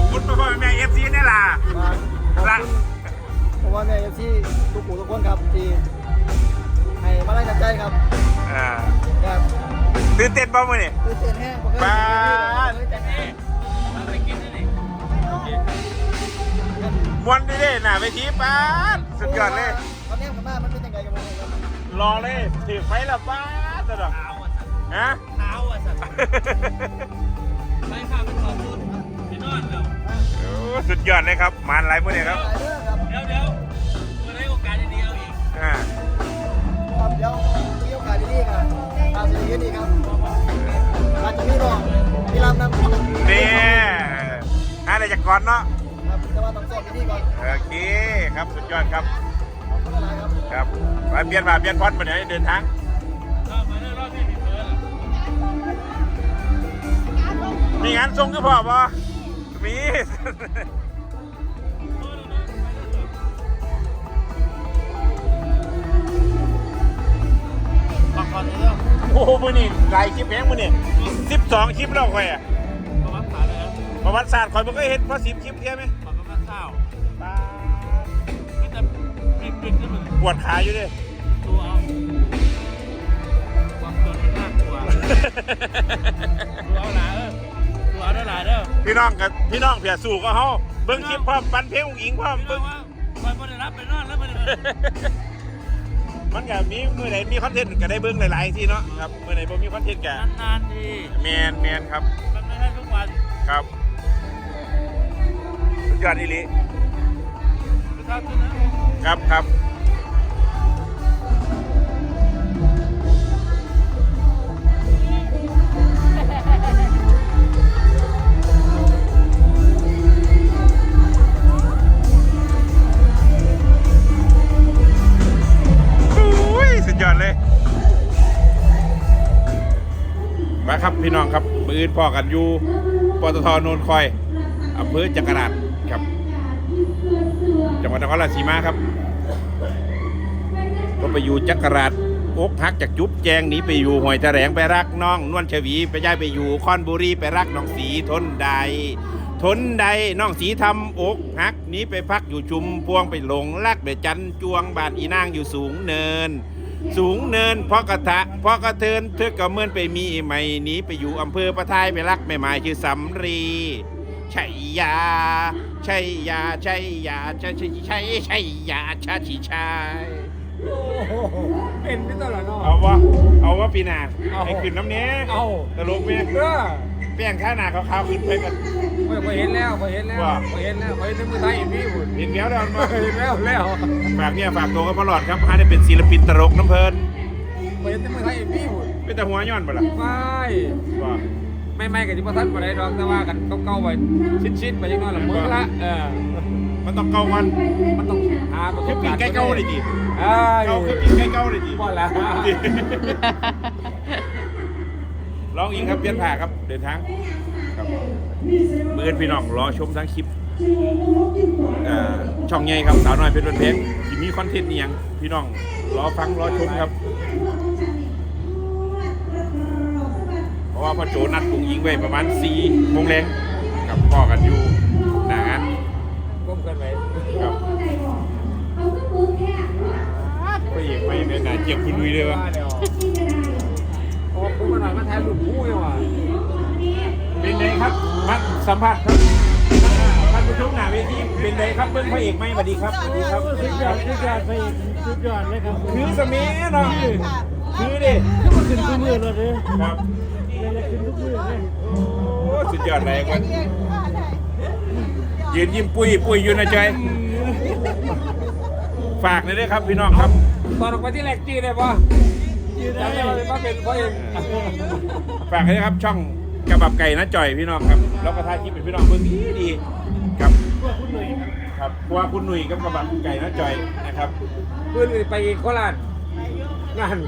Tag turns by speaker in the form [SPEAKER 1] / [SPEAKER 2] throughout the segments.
[SPEAKER 1] คุณพ่อแม่เอฟซีนี่ล่ะละ
[SPEAKER 2] เพราะว่าแม่เอฟซีทุกผู้ทุกคนครับที่ให้มาไล่กันใจครับ
[SPEAKER 1] ตื่นเต้นบ้างมั้ยเนี่ย
[SPEAKER 2] ตื่นเต้นแห้ง
[SPEAKER 1] บ้ามวนดิเด้หน่าไปทีป้าสุดยอดเลย
[SPEAKER 2] ตอนนี้กับบ้านมันเป็นยังไงกันบ้างครับ
[SPEAKER 1] รอเลยถือไฟละป้าตลอดฮะ
[SPEAKER 3] เท้าอ่ะสัตว์ไม่ค่ะเป็นขอบคุณพี่นอนเดี๋ยว
[SPEAKER 1] สุดยอดเลยครับมานไรพวกนี้ครับ
[SPEAKER 3] เดี๋ยวมาได้โอกาสดีๆเอาอีก
[SPEAKER 2] ครับเดี๋ยวมีโอกาสดีๆกันอาจจะดีครับอาจจะมีรองมีลำนำ
[SPEAKER 1] เนี่ยอะไรจากก่อนเนาะ
[SPEAKER 2] ครับจะมาต้องสอบดีก่อน
[SPEAKER 1] โอเคครับสุดยอดครับครับไปเปลี่ยนพอดมาไหนเดินทางมีงานส่งก็พอป่ะมีโอ้โหมือนี่หลายคลิปแพงมือนี่12 คลิปแล้วค่อยอะประวัติศาสตร์ค่อยมันก็เห็นเพราะ10 คลิปใช่ไหม
[SPEAKER 3] ประวัติศาสตร์ไม่แต่ปิดขึ้นมา
[SPEAKER 1] ปวดขาอยู่ดิ
[SPEAKER 3] ตัวเอาความจนมันน่ากลัวตัวเอาหลายตัวเอาได้หลายเด้อ
[SPEAKER 1] พี่น้องเพียสู่ก็เขาเบิ้งคลิปพร้อมปันเพลงอุ้งอิงพร้อมเบิ้ง
[SPEAKER 3] มันไม่ได้รับไปนอนแล้ว
[SPEAKER 1] มันก็มีมือไหนมีคอนเทนต์ก็ได้เบิ้งหลายๆที่เนาะครับมือไหนบ่มีคอนเทนต์ก็
[SPEAKER 3] นานๆที
[SPEAKER 1] แมนครับ
[SPEAKER 3] มันไม่ใช่ทุกวัน
[SPEAKER 1] ครับสุดยอดอีหลีครับสุดยอดเลยมาครับพี่น้องครับมืออื่นพ่อกันอยู่ปตท.โนนคอยอำเภอจักราชครับจังหวัดนครราชสีมาครับก็ไปอยู่จักราชอกหักจากจุ๊บแจงหนีไปอยู่ห้วยแถลงไปรักน้องนวลชวีไปย้ายไปอยู่คอนบุรีไปรักน้องสีทนใดน้องสีทำอกหักหนีไปพักอยู่ชุมพวงไปหลงรักไปจันจวงบ้านอีนางอยู่สูงเนินเพราะกระเทินเธอก็เมื่อนไปมีใหม่หนีไปอยู่อำเภอประทายไปรักแม่หมายชื่อสำรีชัยยาชาชิชัย
[SPEAKER 3] เป็นไม่ตลอดเนาะ
[SPEAKER 1] เอาวะปีหน้าไอ้ขึ้นน้ำเนี้ยตลกไหมเปลี่ยนข้าหน้าขาวๆขึ้นไปกัน
[SPEAKER 3] พอเห็นแล้วพอเห็นในมือไทยเห็นพี่บุญ
[SPEAKER 1] เห็นแล้วฝากตัวกับพลอดครับให้ได้เป็นศิลปินตลกน้ำเพลิน
[SPEAKER 3] พอเห็นในมือไทยเห็นพี่บุญ
[SPEAKER 1] เป็นแต่หัวย้อนปะล่ะ
[SPEAKER 3] ไม่กับที่ประทัดมาได้ดอกแต่ว่ากันเก่าๆไปชิ้นไปยังน้อยละมือละ
[SPEAKER 1] มันต้องเก่าวัน
[SPEAKER 3] มันต้องหา
[SPEAKER 1] คือปีใกล้เก่าเลยดิเก่าคือปีใกล้เก่าเลยดิ
[SPEAKER 3] พอแล้ว
[SPEAKER 1] ร้องอิงครับเปลี่ยนผ่าครับเดินทางครับเมื่อพี่น้องรอชมทั้งคลิปช่องใหญ่ครับสาวน้อยเพชรเพชรที่มีคอนเทนต์อย่างพี่น้องรอฟังรอชมครับเพราะว่าพ่อโจนัดปุงยิงไว้ประมาณ4 โมงแรงกับพ่อกันอยู่หนางาน
[SPEAKER 3] ก้มกันไว้
[SPEAKER 1] ครับก็อีกไม่เป็นเจียบคุณลุยเลยวะ
[SPEAKER 3] โอ้ผมมาหน่อยมาแทนหลุดผู้ยังวะ
[SPEAKER 1] เป็นไงครับมาสัมผัสครับท่านผู้ชมหน้าเวทีเป็นไงครับเบิ้งพระเอกไหมสวัสดีครับสวัสดีครับ
[SPEAKER 3] สุดยอดไปสุดยอดเลยครับ
[SPEAKER 1] คือสมัยเนาะคือดิ
[SPEAKER 3] ขึ้นมาขึ้นทุกมือเลย
[SPEAKER 1] ครับ
[SPEAKER 3] ขึ้นทุกมือเลย
[SPEAKER 1] โอ้สุดยอดเลยกันยืนยิ้มปุ้ยอยู่นะใจฝากเลยด้วยครับพี่น้องครับ
[SPEAKER 3] ตอนออกไปที่แรกจีได้ปะจำได้ว่าเป็นเพราะเอง
[SPEAKER 1] ฝากเลยครับช่องกระบับไก่นะจ่อยพี่น้องครับแล้วก็ถ่ายคลิปเป็นพี่น้องเบื้องดีครับครับว่าคุณหนุ่ยกับกระบับไก่นะจ่อยนะครับ
[SPEAKER 3] เพื่อนไปโคราชงาน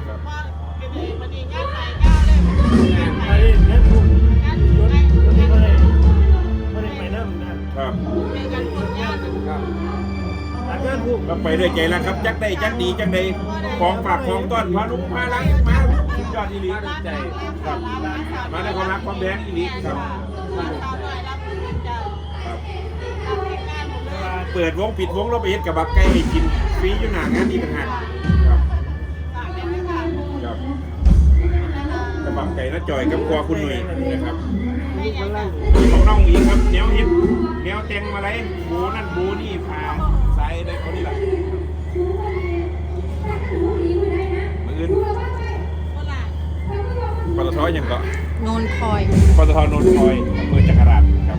[SPEAKER 1] ก็ไปด้วยใจแล้วครับจักได้จักดีจักได้ของฝากของต้อนพาลุงพาลังมาสุดยอดอีหลีใจครับมาในความรักความแบงอีหลีครับเปิดวงปิดวงเราไปเฮ็ดกับบักไก่ให้กินฟรีอยู่หน้างานอีกต่างหากครับครับกับบักไก่น้าจอยกับครัวคุณหนุ่ยนะครับของน้องอีกครับแนวฮิตแนวแต่งมาเลยบูนั่นบูนี่พาใส่ได้เขานี่แหละมืออื่นปตทยังก็
[SPEAKER 4] นนคอย
[SPEAKER 1] ปตทนนทอยอำเภอจักราชครับ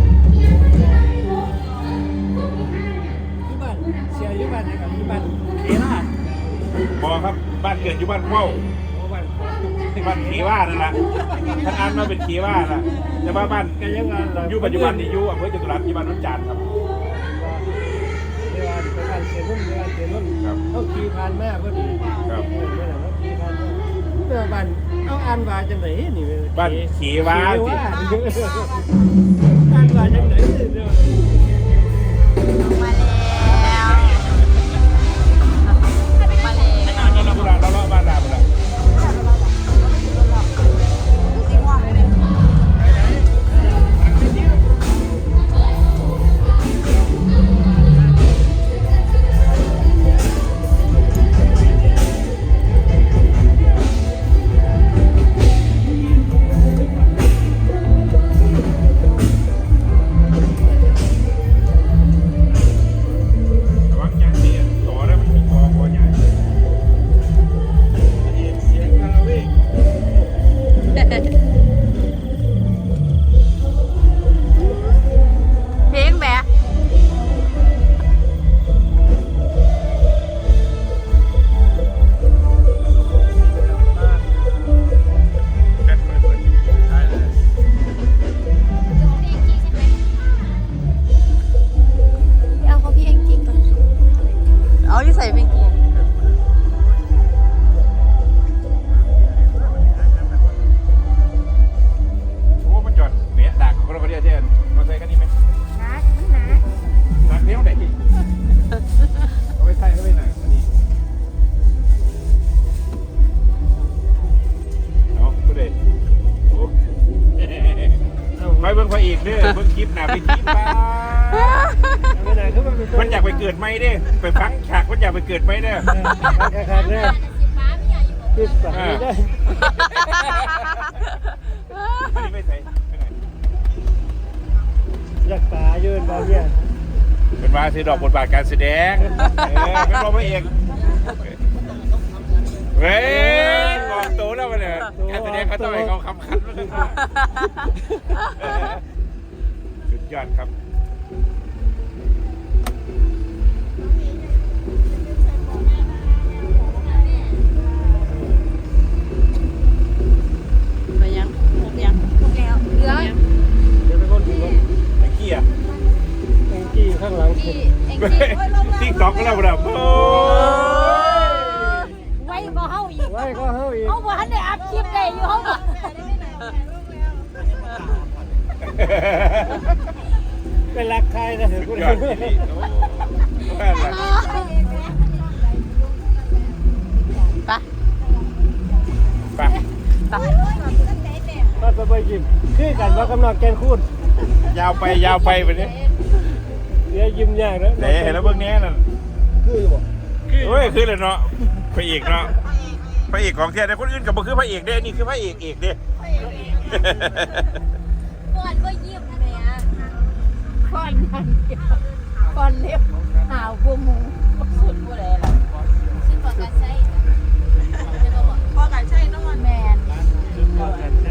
[SPEAKER 3] ที่บ้านเชียร์อยู่บ้านนะครับที่บ้านเคราช
[SPEAKER 1] บอครับบ้านเกิดอยู่บ้านเข้า
[SPEAKER 3] โอ้บ้าน
[SPEAKER 1] บ้านขีว่านั่นแหละท่านอ่านมาเป็นขีว่าล่ะแต่ว่าบ้าน
[SPEAKER 3] ก็ยังงานเรา
[SPEAKER 1] อยู่ปัจจุบันนี่อยู่อำเภอจตุรัสอยู่บ้านน้องจานครับ
[SPEAKER 3] เดี๋ยวไปบ้านเสียนุ่นเดี๋ยวเสียนุ่น
[SPEAKER 1] ครับ
[SPEAKER 3] เขาขี่ผ่านมาพอดี
[SPEAKER 1] ครับ
[SPEAKER 3] เมื่อไหร่เขาขี่ผ่านมาเมื่อบ้านเอาอ่านว่าจังไหนนี่
[SPEAKER 1] บ้านขีว่า
[SPEAKER 3] ขี่
[SPEAKER 1] สิ
[SPEAKER 3] ว่าอ่านว่าจังไหนเดี๋ยว
[SPEAKER 4] มาแล้วมาแล้ว
[SPEAKER 1] เราเลาะบ้านลาบุระ ระวังยางเสียต่อแล้วมันมีคอใหญ่
[SPEAKER 3] เสียงคาราเวก
[SPEAKER 4] เพลงแบบ
[SPEAKER 1] แค่เปิดใช่เลย
[SPEAKER 4] เอาเขาพี่เองจริงก่อนเอาที่ใส่เป็นกี่
[SPEAKER 1] โอ้มันจอดเนี่ยดักของเราก็เรียกเช่นมาใส่กันนี่ไหม
[SPEAKER 4] นักมันนัก
[SPEAKER 1] ดักเลี้ยวไหนเอาไปใส่ก็ไปไหนอันนี้เนาะผู้ใดโอ้ไปเบิ่งพระเอกเด้อเบิ่งคลิปหน้าไปคลิปบ้า
[SPEAKER 3] ไม่ไหนเขาเป็น
[SPEAKER 1] มันอยากไปเกิดไหมเด้ไปฟังฉากมันอยากไปเกิดไหมเด้อ
[SPEAKER 3] แค่แรกปิดปากไม่ได้
[SPEAKER 1] อันนี้ไม่ใส่ไปไหน
[SPEAKER 3] อยากตายืนแบบเนี้ย
[SPEAKER 1] เป็นว่าซื้อดอกบทบาทการแสดงเป็นรองพระเอกเว้ยกองโตแล้วมันเนี่ยการแสดงเขาต้องให้เขาคำคันแล้วกันสุดยอดครับ
[SPEAKER 4] ไปยังครบยังครบแล้วเหลือ
[SPEAKER 3] เดี๋ยวไปคนถึงรถ
[SPEAKER 1] ไอ้กี้อ่ะ
[SPEAKER 3] แองกี้ข้างหลัง
[SPEAKER 4] ที่เองที่
[SPEAKER 1] ติ๊กต็อกก็แล้วแบบโอ้
[SPEAKER 4] ไว้บ่เฮาอีก
[SPEAKER 3] ไว้ก็เฮ้ย
[SPEAKER 4] เฮาบ่ทันได้อัพคลิปได้อยู่เฮาบ่
[SPEAKER 3] เป็นรักใครนะเห็น
[SPEAKER 1] สุ
[SPEAKER 3] คุ
[SPEAKER 1] ด
[SPEAKER 3] ณ
[SPEAKER 1] ยอดที่นี่โอ้แม่ละ
[SPEAKER 4] ไป
[SPEAKER 1] ไป
[SPEAKER 3] ก็ไปยิ้มคือกันว่ากำลังแกนคูด
[SPEAKER 1] ยาวไปไปเนี่ย
[SPEAKER 3] เดี๋ยวยิ้มยากนะ
[SPEAKER 1] ไหนเห็นแล้วเบื้องนี้นั่น
[SPEAKER 2] คือบ่
[SPEAKER 1] เฮ้ยคือเลยเนาะพระเอกเนาะพระเอกของแท้แต่คนอื่นกับบ่คือพระเอกเด้นี่คือพระเอกเด้
[SPEAKER 4] ก่อนก็ยิ้มแม่ก่อนนั่นก่อนเล็บหาวบ่หมูสุดบ่ได้ล่ะซึ่งก่อนการใช้พอการใช้น้องแม่น พอกันใช้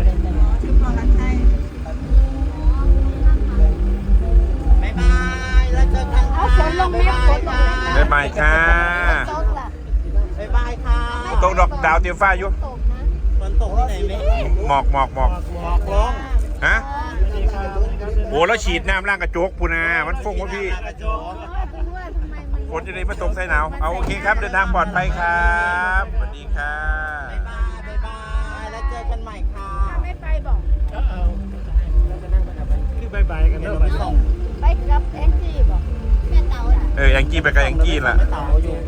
[SPEAKER 2] บ๊ายบายแล้วเจอกัน
[SPEAKER 4] เอาฝนลงแม่ฝนลง
[SPEAKER 1] บ๊ายบายค่ะ
[SPEAKER 4] ตกล่ะ
[SPEAKER 2] บ๊ายบายค่ะ
[SPEAKER 1] ตกดอกดาวเตรียมฟ้าอยู่
[SPEAKER 4] ตกนะ
[SPEAKER 2] ฝนตกที่ไหนไหม
[SPEAKER 1] หมอก
[SPEAKER 2] หมอกลง
[SPEAKER 1] ฮะโอ้แล้วฉีดน้ำล่างกระจกพูนะมันฟงวะพี่ฝนจะได้มาตกใส่หนาวเอาโอเคครับเดินทางปลอดภัยครับสวัสดีค่ะ
[SPEAKER 2] บ๊ายบายแล้วเจอกันใหม่ค่ะ
[SPEAKER 4] ไม่ไปบอก
[SPEAKER 3] เอาแล้วก็นั่งไปกับคือบายบายกัน
[SPEAKER 2] เดี๋
[SPEAKER 3] เนาะ
[SPEAKER 2] ยวไปส่ง
[SPEAKER 4] ไปกับแองจี้บอกแม่เต่าล่ะ
[SPEAKER 1] แองจี้ไปกับแองจี้ล่ะ
[SPEAKER 2] ไม่เต่าอยู่